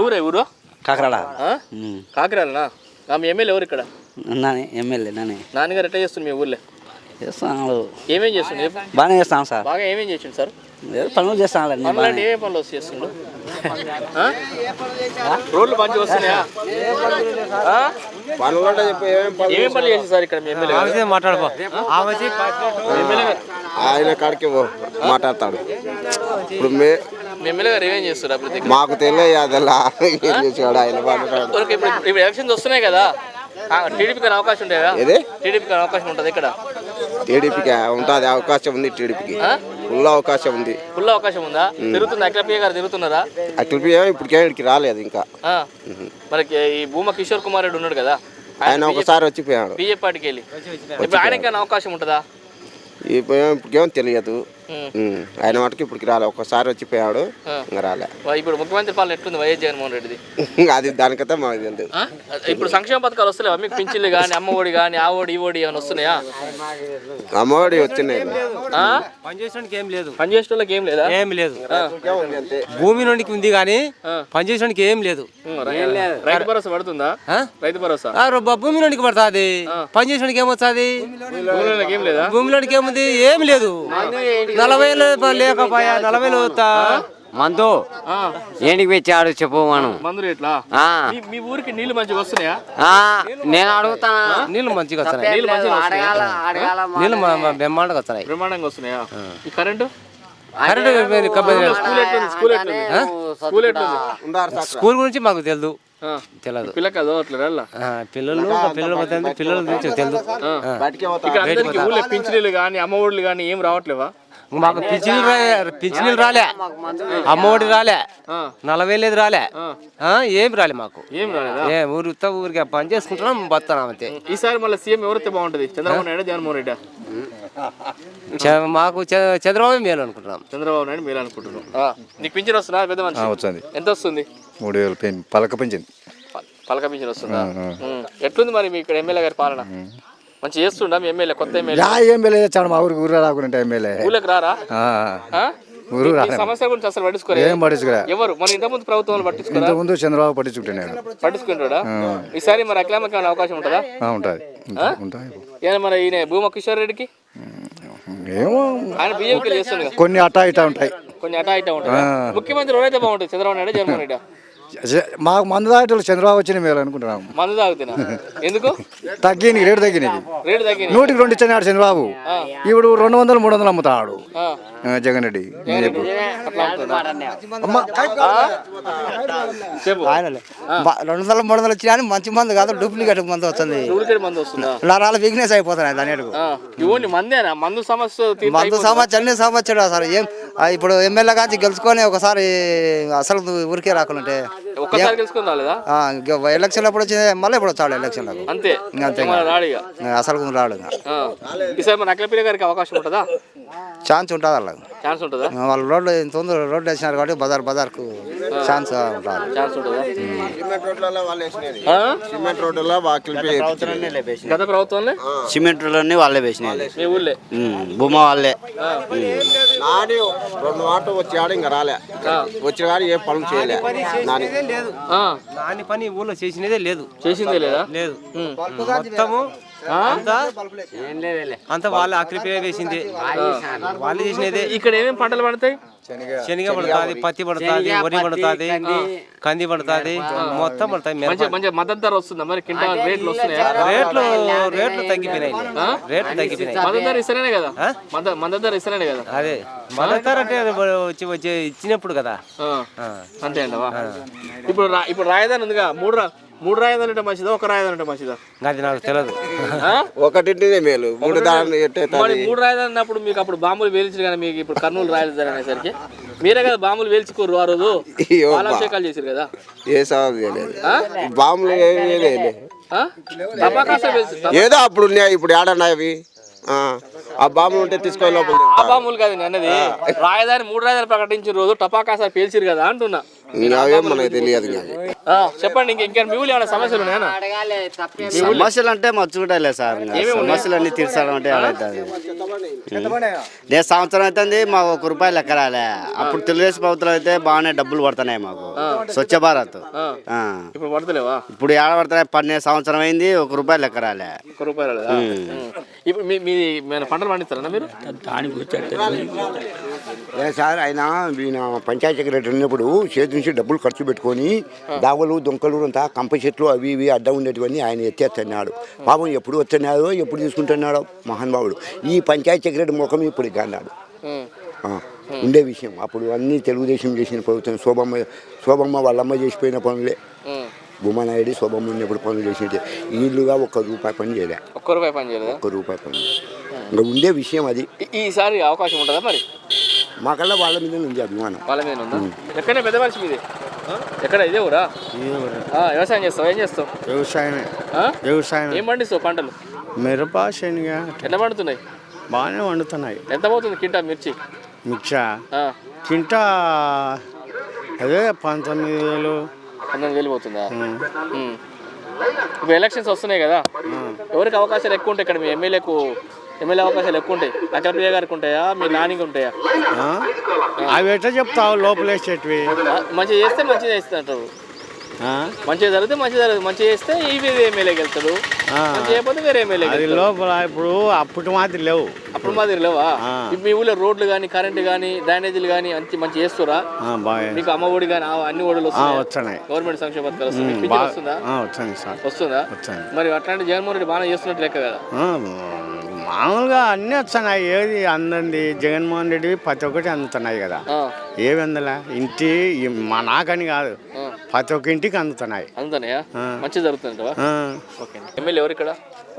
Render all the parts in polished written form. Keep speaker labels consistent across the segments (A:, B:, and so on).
A: ఊరే ఊరు
B: కాకరాడ
A: కాకిరాలనా మీ ఎమ్మెల్యే ఎవరు ఇక్కడ
B: ఎమ్మెల్యే
A: నాన్నగారు ఎట్లా చేస్తుంది మీ ఊర్లో
B: చేస్తాను
A: ఏమేం చేస్తుండే
B: బాగానే చేస్తాను సార్
A: బాగా ఏమేం చేసిండు సార్
B: పనులు చేస్తాను
A: పనులు అంటే ఏమేమి పనులు చేస్తుండు రోడ్లు మంచిగా వస్తున్నాయా ఏమేం పనులు చేసింది సార్ ఇక్కడ మీ ఎమ్మెల్యే
C: మాట్లాడుకో
D: ఆయన కాడికి మాట్లాడతాడు ఇప్పుడు
A: మీ ఎమ్మెల్యే గారు ఏమేం చేస్తారు
D: మాకు తెలియదు ఆయన
A: ఇప్పుడు ఎలక్షన్స్ వస్తున్నాయి కదా టీడీపీకి అవకాశం ఉండేదా టీడీపీకి అవకాశం ఉంటుంది ఇక్కడ
D: టీడీపీకి ఉంటుంది అవకాశం ఉంది టీడీపీకి ఫుల్ అవకాశం ఉంది
A: ఫుల్ అవకాశం ఉందా తిరుగుతుంది అఖిలప్రియ గారు తిరుగుతున్నారా
D: అఖిలప్రియ ఇప్పటికి రాలేదు ఇంకా
A: మనకి ఈ భూమా కిషోర్ కుమార్ రెడ్డి ఉన్నాడు కదా
D: ఆయన ఒకసారి వచ్చిపోయాడు
A: బీజేపీ పార్టీకి వెళ్ళి ఇప్పుడు ఆయనకైనా అవకాశం ఉంటుందా
D: ఇప్పటికేమో తెలియదు ఆయన మటుకు ఇప్పటికి రాలే ఒకసారి వచ్చిపోయాడు ఇంకా రాలే
A: ఇప్పుడు ముఖ్యమంత్రి పాలన ఎట్లుంది వైఎస్ జగన్మోహన్ రెడ్డిది
D: అది దానికైతే మాకు తెలియదు
A: ఇప్పుడు సంక్షేమ పథకాలు వస్తలేవా మీకు పింఛన్లు కానీ అమ్మ ఒడి కానీ ఆ ఓడి ఈ ఓడి ఏమైనా వస్తున్నాయా
D: అమ్మఒడి వచ్చినాయి
C: పనిచేసడానికి ఏం లేదు
A: పనిచేసేటోళ్ళకి ఏం లేదా
C: ఏం లేదు భూమి నుండికి ఉంది కానీ పనిచేసడానికి ఏం లేదు
A: రైతు భరోసా పడుతుందా రైతు భరోసా
C: భూమి నుండికి పడుతుంది పనిచేసడానికి ఏమొస్తుంది
A: ఏం లేదా
C: భూమిలోనికి ఏముంది ఏం లేదు 40 లేకపోయా 40 వస్తా
B: మందు ఏంటికి పెట్టాడు చెప్పు మనం
A: మందు రేట్లా మీ ఊరికి నీళ్లు మంచిగా వస్తున్నాయా
B: నేను అడుగుతాను
C: నీళ్ళు మంచిగా వస్తున్నాయి నీళ్ళు బ్రహ్మాండంగా వస్తున్నాయి
A: బ్రహ్మాండంగా వస్తున్నాయా ఈ కరెంటు
C: స్కూల్ గురించి మాకు తెలియదు
A: పిల్లకి చదవట్లేదా
C: పిల్లలు గురించి తెలియదు
A: పింఛనీలు కానీ అమ్మ ఒడులు కానీ ఏం రావట్లేవా
C: మాకు పింఛనీలు రాలే అమ్మఒడి రాలే 40 రాలే ఏం రాలే మాకు
A: ఏం రాలేదా
C: ఊరికి పని చేసుకుంటున్నాం బతున్నాం అంతే.
A: ఈసారి మళ్ళీ సీఎం ఎవరైతే బాగుంటది చంద్రబాబు నాయుడు జగన్మోహన్ రెడ్డి
C: మాకు చంద్రబాబు మేలు అనుకుంటున్నాం.
A: చంద్రబాబు నాయుడు మేలు అనుకుంటున్నాం. నీకు పింఛన్ వస్తుందా పెద్ద మనిషి?
E: వస్తుంది.
A: ఎంత వస్తుంది?
E: 3000 పలక పింఛన్.
A: పలక పింఛన్ వస్తుందా? ఎట్లుంది మరి మీ ఇక్కడ ఎమ్మెల్యే గారి పాలన? మంచి చేస్తుండా మీ ఎమ్మెల్యే? కొత్త
E: ఎమ్మెల్యే చేస్తాడు మా ఊరికి ఊరు రాకుండా ఎమ్మెల్యే
A: ఊళ్ళకి రారా? సమస్య గురించి అసలు పట్టించుకోరా ఎవరు? మన ఇంతకుముందు ప్రభుత్వం పట్టించుకోరా?
E: ముందు చంద్రబాబు పట్టించుకుంటాడా?
A: ఈసారి మరి అఖిలమ్మకి అవకాశం ఉంటుందా?
E: ఉంటుంది.
A: మరి ఈయన భూమా కిషోర్ రెడ్డికి
E: ఏమో
A: ఆయన బీజేపీకి చేస్తుంది.
E: కొన్ని అటా ఇటా ఉంటాయి.
A: ముఖ్యమంత్రి ఎవరైతే బాగుంటుంది? చంద్రబాబు నాయుడు జగన్మోహన్ రెడ్డి?
E: మాకు మందు తాగేటోళ్ళు చంద్రబాబు వచ్చిన మేలు అనుకుంటున్నాం.
A: మందు తాగుతున్నా ఎందుకు?
E: తగ్గింది, రేటు తగ్గినది. 100కి 2 ఇచ్చాడు చంద్రబాబు. ఇప్పుడు 200 300 అమ్ముతాడు జగన్ రెడ్డి.
B: 200 300 వచ్చినా మంచి మందు కాదు, డూప్లికేట్ మందు వస్తుంది. నరాలు బిజినెస్ అయిపోతున్నాయి దాని
A: మందు సమస్య
B: అన్ని సమస్యలు. అసలు ఏం ఇప్పుడు ఎమ్మెల్యే కాంచి గెలుచుకొని ఒకసారి అసలు ఊరికే రాకుంటే ఎలక్షన్ అప్పుడు వచ్చింది, మళ్ళీ ఇప్పుడు వచ్చాడు ఎలక్షన్
A: అంతే
B: అసలు రాడు.
A: గారికి అవకాశం ఉంటుందా?
B: ఛాన్స్ ఉంటుంది అలా.
A: ఛాన్స్ ఉంటుందా?
B: వాళ్ళు రోడ్డు వేసినారు కాబట్టి బజార్కు ఛాన్స్
D: సిమెంట్ రోడ్లలో
A: గత ప్రభుత్వంలో
B: సిమెంట్ రోడ్లన్నీ వాళ్ళే వేసినాయి.
A: మీ ఊళ్ళే
B: భూమా వాళ్ళే
D: 2 వాటర్ వచ్చాడు, ఇంకా రాలే. వచ్చిన కానీ ఏ పనులు చేయలే.
C: నాని పని ఊళ్ళో చేసినదే లేదు.
A: చేసిందే లేదా?
C: లేదు. మొత్తము అంతా వాళ్ళ అఖిలప్రియ వేసింది, వాళ్ళు చేసినదే.
A: ఇక్కడ ఏమేమి పంటలు పడతాయి?
C: శనగ పడుతుంది, పత్తి పడుతుంది, వరి పడుతుంది, కంది పడుతుంది, మొత్తం పడుతాయి.
A: మద్దతు ధర వస్తుందా మరి? క్వింటాల్ రేట్లు వస్తున్నాయా?
C: రేట్లు తగ్గిపోయినాయి.
A: మద్దతు ధర ఇస్తేనే కదా? మద్దతు ధర ఇస్తేనే కదా?
C: అదే మద్దతు ధర అంటే వచ్చి ఇచ్చినప్పుడు కదా.
A: అంతే అంటవా? ఇప్పుడు రాజధాని ఉందిగా, మూడు రాజధాని అంటే మంచిదా, ఒక రాజధాని అంటే మంచిదా?
C: అది నాకు తెలియదు.
D: ఒకటింటిదే మేలు. 3
A: రాజధాని అన్నప్పుడు మీకు అప్పుడు బాంబులు వేల్చారు కానీ మీకు ఇప్పుడు కర్నూలు రాజధాని అనేసరికి మీరే కదా బాంబులు వేల్చుకోరు ఆ రోజు, పాలాభిషేకాలు చేశారు కదా?
D: ఏ సవాలు చేయలేదు. బాంబులు ఏదో అప్పుడు ఉన్నాయి, ఇప్పుడు ఏడన్నాయి అవి. ఆ బాంబులు ఉంటే తీసుకొని లోపల.
A: ఆ బాంబులు కాదు అన్నది. రాజధాని 3 రాజధాని ప్రకటించిన రోజు టపాకాసాలు పేల్చిరు కదా అంటున్నా.
D: ఇంకా అవేం మనకు తెలియదు ఇంకా అవి.
A: చెప్పండి ఇంకా మీ ఊళ్ళో ఏమైనా సమస్యలు ఉన్నాయా?
F: సమస్యలు అంటే మర్చుకుంటా సార్ సమస్యలు అన్ని తీర్చడం అంటే అవుతుంది. నేను సంవత్సరం అవుతుంది మాకు ₹1 లెక్క రాలే. అప్పుడు తెలుగుదేశం ప్రభుత్వం అయితే బాగానే డబ్బులు పడుతున్నాయి మాకు స్వచ్ఛ భారత్.
A: ఇప్పుడు పడతలేవా?
F: ఇప్పుడు ఏడ పడుతున్నాయి? 12 సంవత్సరం అయింది ₹1 లెక్క రాలే.
A: ₹1 ఇప్పుడు మీది పంటలు పండిస్తారా మీరు?
G: సార్ ఆయన పంచాయతీ సెక్రటరీ ఉన్నప్పుడు చేతి నుంచి డబ్బులు ఖర్చు పెట్టుకొని దావలు దొంకలు అంతా కంప చెట్లు అవి ఇవి అడ్డం ఉండేటివన్నీ ఆయన ఎత్తేస్తున్నాడు. పాపం ఎప్పుడు వస్తున్నాడో ఎప్పుడు తీసుకుంటున్నాడో మహానుభావుడు. ఈ పంచాయతీ సెక్రటరీ ముఖం ఇప్పుడు అన్నాడు ఉండే విషయం. అప్పుడు అన్నీ తెలుగుదేశం చేసిన ప్రభుత్వం శోభమ్మ వాళ్ళమ్మ చేసిపోయిన పనులే. భూమానాయుడు శోభమ్మ ఉన్నప్పుడు పనులు చేసినట్టే వీళ్ళుగా ₹1 పని చేయలే.
A: ₹1 పని చేయలేదు.
G: ₹1 పని ఇంకా ఉండే విషయం అది.
A: ఈసారి అవకాశం ఉంటుందా మరి?
G: మాకల్లా వాళ్ళ మీద ఉంది అభిమానం.
A: వాళ్ళ మీద ఉందా? ఎక్కడనే పెద్ద మనిషి మీది ఎక్కడ? ఇదే ఊరా? వ్యవసాయం చేస్తావు? ఏం చేస్తావు?
C: వ్యవసాయం.
A: ఏం పండిస్తావు పంటలు?
C: మిరప, శనగ.
A: ఎట్లా పండుతున్నాయి?
C: బాగానే వండుతున్నాయి.
A: ఎంత పోతుంది కింటా మిర్చి?
C: కింటా అదే 19,000.
A: 19,000 పోతుందా? ఇప్పుడు ఎలక్షన్స్ వస్తున్నాయి కదా, ఎవరికి అవకాశాలు ఎక్కువ ఉంటాయి ఇక్కడ? మీ ఎమ్మెల్యే అవకాశాలు ఎక్కువ ఉంటాయి. అఖిలప్రియ గారికి ఉంటాయా, మీ నానికి ఉంటాయా?
C: అవి ఎట్లా చెప్తావు? లోపలేసేటివి
A: మంచిగా చేస్తే మంచిగా చేస్తుంటారు. మంచిగా జరిగితే మంచిగా జరుగుతుంది. మంచిగా చేస్తే ఈ ఎమ్మెల్యేకి వెళ్తాడు, మంచిగా చేయకపోతే వేరే ఎమ్మెల్యే
C: లోపల. ఇప్పుడు అప్పుడు మాదిరి లేవు.
A: అప్పుడు మాదిరి లేవా? మీ ఊళ్ళో రోడ్లు కానీ, కరెంట్ కానీ, డ్రైనేజీలు కానీ మంచి చేస్తురా? మీకు అమ్మ ఒడి కానీ అన్ని ఒడులు
C: వస్తున్నాయి.
A: గవర్నమెంట్ సంక్షేమ పథకాలు వస్తుందా? వస్తుందా? మరి అట్లాంటి జగన్మోహన్ రెడ్డి బాగా చేస్తున్నట్టు లెక్క కదా.
C: మామూలుగా అన్నీ వస్తున్నాయి. ఏది అందండి జగన్మోహన్ రెడ్డి ప్రతి ఒక్కటి అందుతున్నాయి కదా. ఏవి అందలా ఇంటి మా నాకని కాదు, ప్రతి ఒక్క ఇంటికి అందుతున్నాయి.
A: అందుతున్నాయా? మంచి జరుగుతుంది. ఎమ్మెల్యే ఎవరు ఇక్కడ?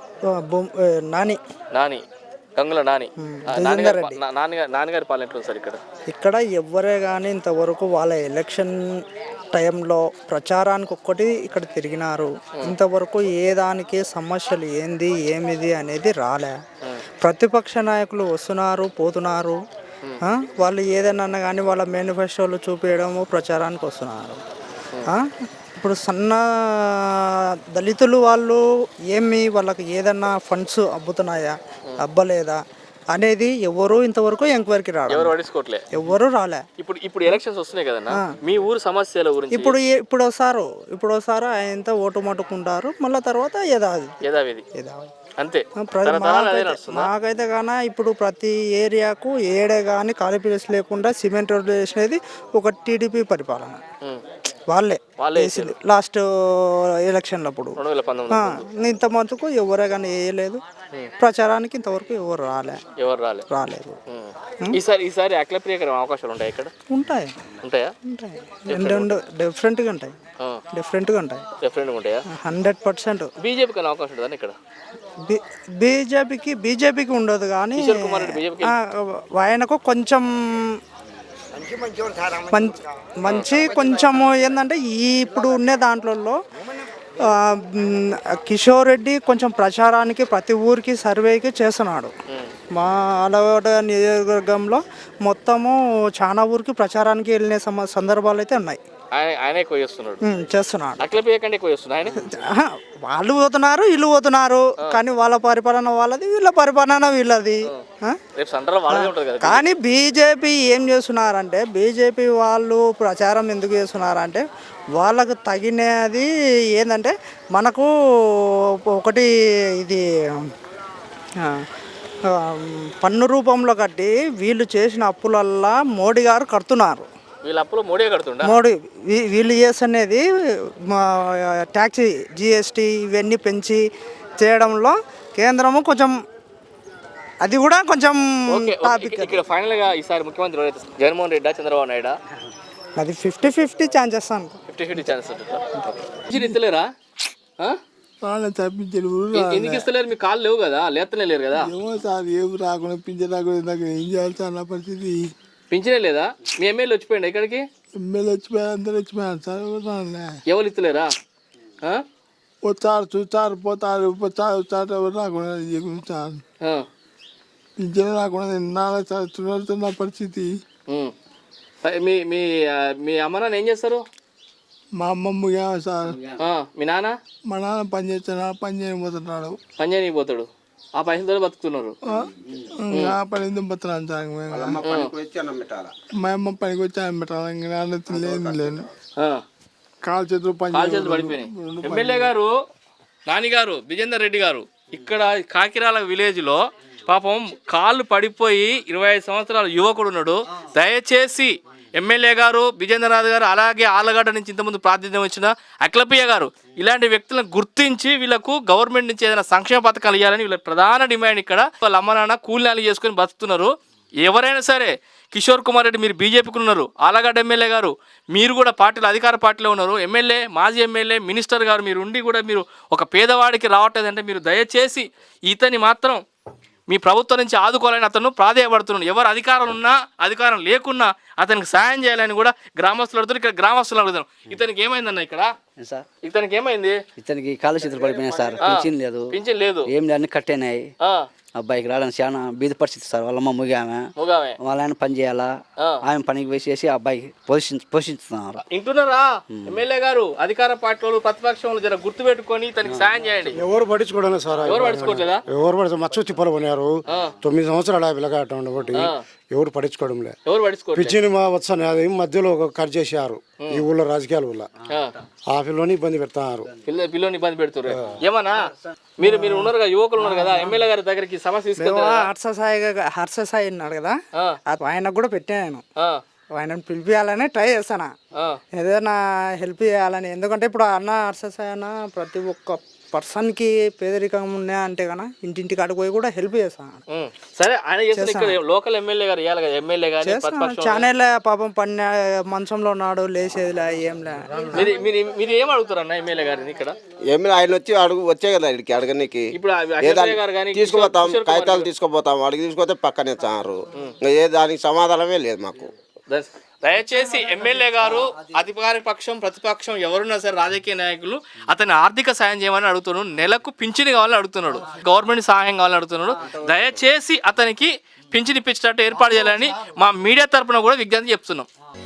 A: నాని, గంగుల నాని. నాన్నగారి పాలన ఎట్లా సార్ ఇక్కడ?
B: ఇక్కడ ఎవ్వరే కానీ ఇంతవరకు వాళ్ళ ఎలక్షన్ టైంలో ప్రచారానికి ఒక్కటి ఇక్కడ తిరిగినారు. ఇంతవరకు ఏ దానికి సమస్యలు ఏంది ఏమిది అనేది రాలే. ప్రతిపక్ష నాయకులు వస్తున్నారు పోతున్నారు. వాళ్ళు ఏదైనా కానీ వాళ్ళ మేనిఫెస్టోలు చూపించడము ప్రచారానికి వస్తున్నారు. ఇప్పుడు సన్న దళితులు వాళ్ళు వాళ్ళకి ఏదన్నా ఫండ్స్ అబ్బుతున్నాయా అబ్బలేదా అనేది ఎవరు ఇంతవరకు ఎంక్వైరీకి
A: రాలేదు.
B: ఎవరు రాలే.
A: ఇప్పుడు ఎలక్షన్స్ వస్తున్నాయి కదన్నా, మీ ఊరు సమస్యల గురించి
B: ఇప్పుడు వస్తారు ఆయన ఓటు మట్టుకుంటారు. మళ్ళీ తర్వాత యథావిధి
A: అంతే.
B: మాకైతే కానీ ఇప్పుడు ప్రతి ఏరియాకు ఏడే కానీ ఖాళీ ప్లేస్ లేకుండా సిమెంట్ రోడ్లు వేసినది ఒక టీడీపీ పరిపాలన. వాళ్ళే వేసింది లాస్ట్ ఎలక్షన్లప్పుడు. ఇంత మటుకు ఎవరే కానీ వేయలేదు. ప్రచారానికి ఇంతవరకు ఎవరు రాలేదు.
A: ఈసారి అఖిలప్రియ అవకాశాలు ఉంటాయి ఇక్కడ? ఉంటాయా?
B: డిఫరెంట్గా ఉంటాయి. 100%.
A: బీజేపీకి అవకాశం ఉంటుందా ఇక్కడ?
B: బీజేపీకి ఉండదు కానీ ఆయనకు కొంచెం కొంచెము ఏంటంటే ఇప్పుడు ఉండే దాంట్లో కిషోర్ రెడ్డి కొంచెం ప్రచారానికి ప్రతి ఊరికి సర్వేకి చేస్తున్నాడు. మా అలవాటు నియోజకవర్గంలో మొత్తము చాలా ఊరికి ప్రచారానికి వెళ్ళిన సందర్భాలు అయితే ఉన్నాయి. చేస్తున్నాడు. వాళ్ళు పోతున్నారు వీళ్ళు పోతున్నారు కానీ వాళ్ళ పరిపాలన వాళ్ళది, వీళ్ళ పరిపాలన వీళ్ళది. కానీ బీజేపీ ఏం చేస్తున్నారంటే, బీజేపీ వాళ్ళు ప్రచారం ఎందుకు చేస్తున్నారంటే వాళ్ళకు తగినది ఏంటంటే మనకు ఒకటి ఇది పన్ను రూపంలో కట్టి వీళ్ళు చేసిన అప్పులల్లా మోడీ గారు కడుతున్నారు. మోడీ వీళ్ళు చేస్తున్నది ట్యాక్స్ జిఎస్టీ ఇవన్నీ పెంచి చేయడంలో కేంద్రము కొంచెం అది కూడా కొంచెం
A: ఫైనల్ గా ఈసారి ముఖ్యమంత్రి జగన్మోహన్ రెడ్డి, చంద్రబాబు నాయుడు?
B: అది 50-50 ఛాన్సెస్.
A: 50-50 ఛాన్సెస్. ఇస్తలేరా? ఎందుకు ఇస్తలేరు? మీ కాళ్ళు లేవు కదా, లేతనే లేరు కదా.
H: ఏమో సార్, ఏం రాకుండా పింఛన్ రాకుండా ఏం చేయాలి సార్? నా పరిస్థితి
A: పింఛనే లేదా? మీ ఎమ్మెల్యే వచ్చిపోయింది ఇక్కడికి?
H: ఎమ్మెల్యే వచ్చిపోయారు, అందరు వచ్చిపోయారు సార్.
A: ఎవరు ఇస్తలేరా?
H: వస్తారు చూస్తారు పోతారు, వస్తారు ఎవరు రాకుండా సార్. పింఛన్ రాకుండా 4 సంవత్సరాలు నా పరిస్థితి.
A: మీ మీ మీ అమ్మ నాన్న ఏం చేస్తారు?
H: మా అమ్మమ్మ సార్,
A: మీ నాన్న
H: మా నాన్న పని చేస్తున్నాడు, పని చేయబోతున్నాడు.
A: పని చేయకపోతాడు, ఆ పైసలతో బతుకుతున్నారు.
H: ఆ పని ఎందుకు పోతున్నాను సార్ మేము. మా అమ్మ పనికి వచ్చి అన్నం పెట్టాలి, ఇంకా నాన్న లేను కాలు చేతులు
A: పడిపోయినాయి. ఎమ్మెల్యే గారు నానిగారు విజేందర్ రెడ్డి గారు ఇక్కడ కాకిరాల విలేజ్లో పాపం కాళ్ళు పడిపోయి 25 సంవత్సరాల యువకుడు ఉన్నాడు. దయచేసి ఎమ్మెల్యే గారు విజేంద్రనాథ్ గారు అలాగే ఆలగడ్డ నుంచి ఇంతకుముందు ప్రాతినిధ్యం వచ్చిన అఖిలప్రియ గారు ఇలాంటి వ్యక్తులను గుర్తించి వీళ్ళకు గవర్నమెంట్ నుంచి ఏదైనా సంక్షేమ పథకాలు ఇవ్వాలని వీళ్ళ ప్రధాన డిమాండ్. ఇక్కడ వాళ్ళ అమ్మ నాన్న కూలీనాలు చేసుకొని బతుకుతున్నారు. ఎవరైనా సరే కిషోర్ కుమార్ రెడ్డి మీరు బీజేపీకి ఉన్నారు, ఆలగడ్డ ఎమ్మెల్యే గారు మీరు కూడా పార్టీలో అధికార పార్టీలో ఉన్నారు, ఎమ్మెల్యే మాజీ ఎమ్మెల్యే మినిస్టర్ గారు మీరు ఉండి కూడా మీరు ఒక పేదవాడికి రావట్లేదంటే మీరు దయచేసి ఇతని మాత్రం మీ ప్రభుత్వం నుంచి ఆదుకోవాలని అతను ప్రాధేయపడుతున్నాడు. ఎవరు అధికారం ఉన్నా అధికారం లేకున్నా అతనికి సాయం చేయాలని కూడా గ్రామస్తులు అడుగుతారు. ఇక్కడ గ్రామస్తులు అడుగుతారు, ఇతనికి ఏమైందన్న ఇక్కడ
I: సార్?
A: ఇతనికి ఏమైంది?
I: ఇతనికి కాళ్ళు చేతులు పడిపోయినాయి సార్, పింఛన్ లేదు,
A: పింఛన్ లేదు,
I: ఏం లేదు, అన్ని కట్టేనాయి. అబ్బాయికి రావడానికి చాలా బీద పరిస్థితి సార్. వాళ్ళమ్మ ముగామె, వాళ్ళ ఆయన పని చేయాలా, ఆమె పనికి వేసేసి అబ్బాయికి పోషిస్తున్నారు.
A: ఇంటున్నారా ఎమ్మెల్యే గారు? అధికార పార్టీలు ప్రతిపక్షంలో జర గుర్తు పెట్టుకొని తనకి సాయం చేయండి.
J: ఎవరు పట్టించుకోవడం సార్,
A: ఎవరు పట్టించుకోవట్లేదా?
J: ఎవరు పట్టించు మచ్చు తిప్పలు పోయినారు. 9 సంవత్సరాలు పిల్లగాట ఉండబట్టి ఎవరు పట్టించుకోవడంలే.
A: ఎవరు పట్టించుకోవట్లేదు.
J: పిచ్చిని వచ్చాను అది మధ్యలో ఒక కట్ చేశారు ఈ ఊళ్ళో రాజకీయాల వల్ల. ఆ పిల్లని ఇబ్బంది పెడతారు,
A: పిల్లని ఇబ్బంది పెడుతున్నారు. ఏమన్నా మీరు మీరు ఉన్నారు కదా, యువకులు ఉన్నారు కదా, ఎమ్మెల్యే గారి దగ్గరికి సమస్య తీసుకెళ్తారు.
B: హర్షసాయి ఉన్నాడు కదా, ఆయనకు కూడా పెట్టాను. ఆయనను పిలిపియాలని ట్రై చేస్తాను, ఏదైనా హెల్ప్ చేయాలని. ఎందుకంటే ఇప్పుడు అన్న హర్షసాయి అన్న ప్రతి ఒక్క పర్సన్కి పేదరికం ఉన్నా అంటే కన్నా ఇంటింటికి అడుగు పోయి కూడా హెల్ప్ చేస్తాను.
A: సరే ఆయన ఇక్కడ లోకల్ ఎమ్మెల్యే గారు ఇవ్వాలి కదా, ఎమ్మెల్యే గారు
B: ఛానల్ పాపం పని మంచంలో ఉన్నాడు, లేచేదిలే ఏంలే.
A: మీరు ఏం అడుగుతారు అన్న ఎమ్మెల్యే గారిని? ఇక్కడ
D: ఎమ్మెల్యే ఆయన వచ్చి వచ్చే కదా ఇక్కడికి అడగనికి.
A: ఇప్పుడు
D: తీసుకుపోతాం, కాగితాలు తీసుకుపోతాం, అడిగి తీసుకుపోతే పక్కనే చారు. ఏ దానికి సమాధానమే లేదు మాకు.
A: దయచేసి ఎమ్మెల్యే గారు అధికార పక్షం ప్రతిపక్షం ఎవరున్నా సరే రాజకీయ నాయకులు అతని ఆర్థిక సాయం చేయమని అడుగుతున్నాడు, నెలకు పింఛను కావాలని అడుగుతున్నాడు, గవర్నమెంట్ సహాయం కావాలని అడుగుతున్నాడు. దయచేసి అతనికి పింఛను ఇప్పించేటట్టు ఏర్పాటు చేయాలని మా మీడియా తరఫున కూడా విజ్ఞప్తి చెప్తున్నాం.